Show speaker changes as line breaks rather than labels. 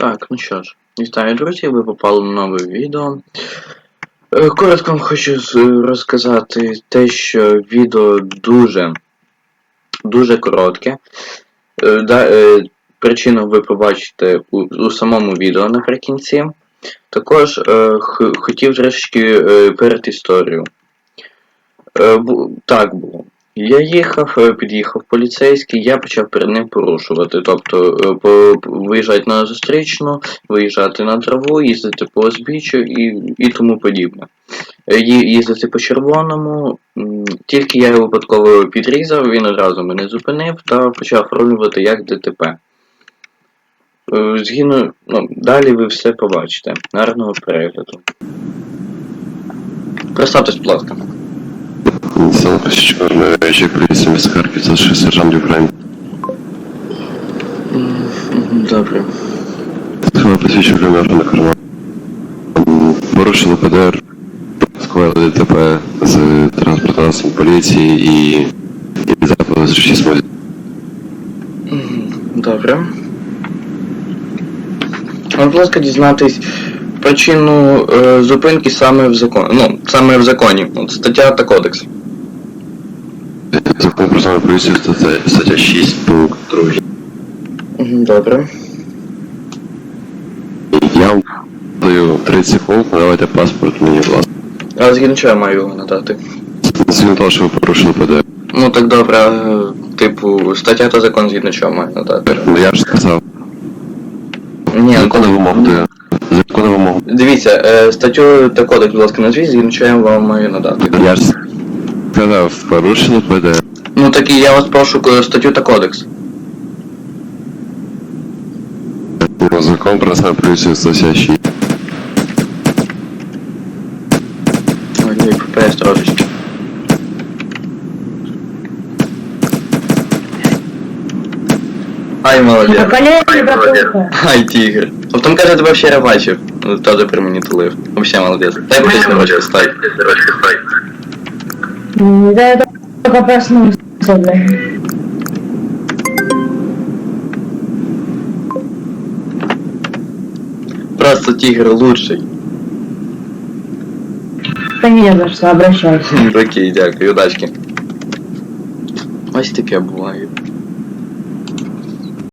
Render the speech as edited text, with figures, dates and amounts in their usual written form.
Так, ну що ж, вітаю, друзі, ви попали на нове відео. Коротко вам хочу розказати те, що відео дуже коротке. Причину ви побачите у самому відео наприкінці. Також хотів трошки перед історію. Так було. Я під'їхав поліцейський, я почав перед ним порушувати. Тобто виїжджати на зустрічну, виїжджати на траву, їздити по узбіччю і тому подібне. Їздити по червоному, тільки я його випадково підрізав, він одразу мене зупинив та почав оформлювати як ДТП. Далі ви все побачите. Гарного перегляду. Представтесь, будь ласка.
Сам Чорний, речик поліції міста Харків, старший сержант Юкрейн.
Добре.
Сховав посвідчив плем'яшного карману. Порушили ПДР, скоїли ДТП з транспортного засобу поліції і запили з речі смоді.
Добре. Будь ласка, дізнатись причину зупинки саме в законі. От стаття та кодекс.
Закон про саме поліцію, стаття 6, пункт 2.
Добре.
Я вам даю 30 секунд, надавайте паспорт мені, будь ласка.
А згідно чого я маю його надати?
Згідно того, що ви порушили ПДР.
Ну так добре, типу, стаття та закон згідно чого маю надати.
Ну я ж сказав.
Ні,
Законна вимога даю. Законна вимога.
Дивіться, статтю та кодекс, будь ласка, назвіть, згідно чого я вам маю надати.
Я ж сказав, порушили ПДР.
Ну так і я вас прошу статтю та кодекс.
Закон про саме поліцію, стаття 6.
Ой, ППС трошечки. Ай, молодець. Ай, тигр. А потом, когда ты вообще рыбачив, тоже при мені тулив. Вообще молодец. Дай будь ручки, стой.
Да, я только проснулся, бля.
Просто тигр лучший.
Да не за что, обращайся.
Окей, дякую, удачки. Ось таке буває.